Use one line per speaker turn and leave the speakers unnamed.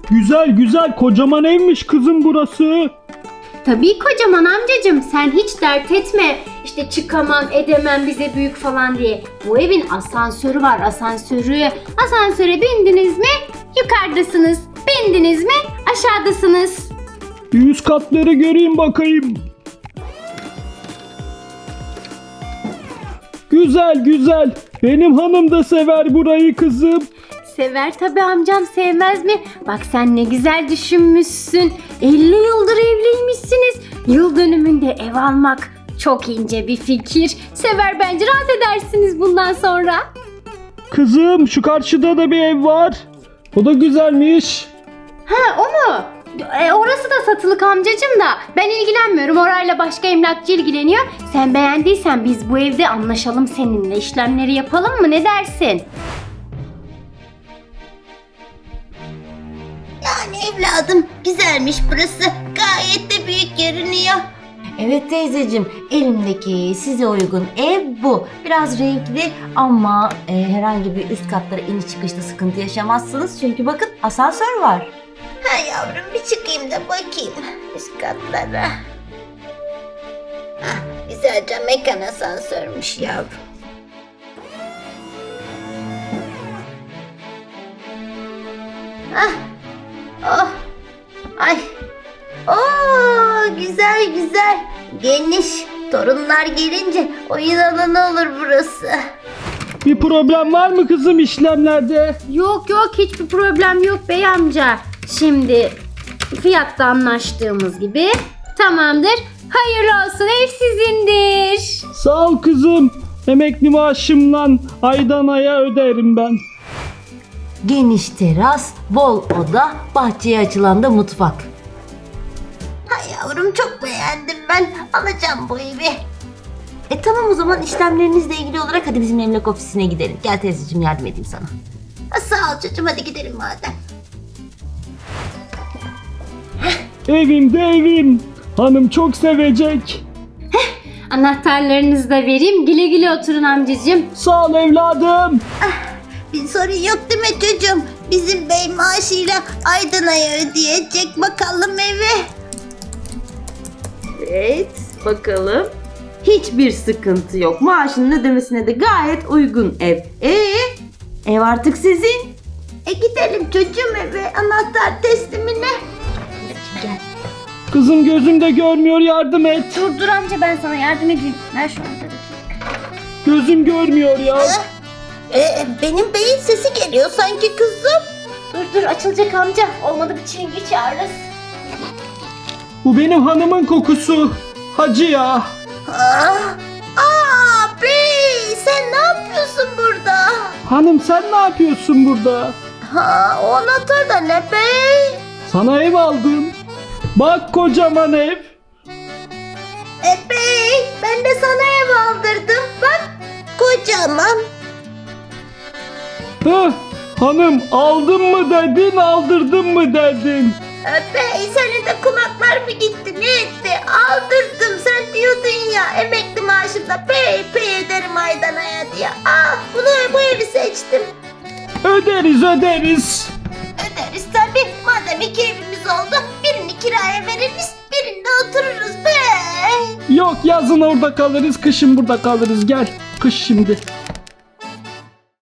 Güzel güzel, kocaman evmiş kızım burası.
Tabii kocaman amcacığım, sen hiç dert etme. İşte çıkamam edemem bize büyük falan diye. Bu evin asansörü var, asansörü. Asansöre bindiniz mi yukarıdasınız. Bindiniz mi aşağıdasınız.
Bir üst katları göreyim bakayım. Güzel güzel. Benim hanım da sever burayı kızım.
Sever tabii amcam, sevmez mi? Bak sen ne güzel düşünmüşsün. 50 yıldır evliymişsiniz. Yıl dönümünde ev almak çok ince bir fikir. Sever, bence rahat edersiniz bundan sonra.
Kızım şu karşıda da bir ev var. O da güzelmiş.
Ha, o mu? Orası da satılık amcacığım da. Ben ilgilenmiyorum. Orayla başka emlakçı ilgileniyor. Sen beğendiysen biz bu evde anlaşalım seninle. İşlemleri yapalım mı? Ne dersin?
Yani evladım, güzelmiş burası. Gayet de büyük görünüyor.
Evet teyzeciğim, elimdeki size uygun ev bu. Biraz renkli ama herhangi bir üst katlara iniş çıkışta sıkıntı yaşamazsınız. Çünkü bakın asansör var.
Ha yavrum, bir çıkayım da bakayım üst katlara. Hah, güzelce mekan asansörmüş yavrum. Ah, oh, ay, güzel güzel, geniş. Torunlar gelince oyun alanı olur burası.
Bir problem var mı kızım işlemlerde?
Yok yok, hiçbir problem yok bey amca. Şimdi fiyatta anlaştığımız gibi tamamdır. Hayırlı olsun, ev sizindir.
Sağ ol kızım. Emekli maaşımla aydan aya öderim ben.
Geniş teras, bol oda, bahçeye açılan da mutfak.
Ha yavrum, çok beğendim ben. Alacağım bu evi.
Tamam o zaman işlemlerinizle ilgili olarak hadi bizim emlak ofisine gidelim. Gel teyzeciğim, yardım edeyim sana.
Ha, sağ ol çocuğum, hadi gidelim madem.
Evim de evim. Hanım çok sevecek.
Anahtarlarınızı da vereyim. Güle güle oturun amcacığım.
Sağ ol evladım.
Bir sorun yok değil mi çocuğum? Bizim bey maaşıyla aydan aya ödeyecek bakalım evi.
Evet, bakalım. Hiçbir sıkıntı yok. Maaşının ödemesine de gayet uygun ev. Ev artık sizin.
Gidelim çocuğum eve, anahtar teslimine.
Kızım gözümde görmüyor, yardım et.
Dur amca, ben sana yardım edeyim. Ver şu anahtarı.
Gözüm görmüyor ya.
Benim beyin sesi geliyor sanki kızım.
Dur açılacak amca. Olmadı bir çengi çağırırız.
Bu benim hanımın kokusu. Hacı ya.
Bey, sen ne yapıyorsun burada?
Hanım sen ne yapıyorsun burada?
Ha, o anahtar da ne bey?
Sana ev aldım. Bak kocaman ev.
Bey, ben de sana ev aldırdım. Bak, kocaman.
Heh, hanım aldın mı dedin, aldırdın mı dedin?
Bey, senin de kulaklar mı gitti, ne etti? Aldırdım, sen diyordun ya emekli maaşımda pey ederim aydan aya diye. Bu evi seçtim.
Öderiz.
Öderiz tabii. Madem iki evimiz oldu, birini kiraya veririz, birinde otururuz bey.
Yok yazın orada kalırız, kışın burada kalırız. Gel kış şimdi.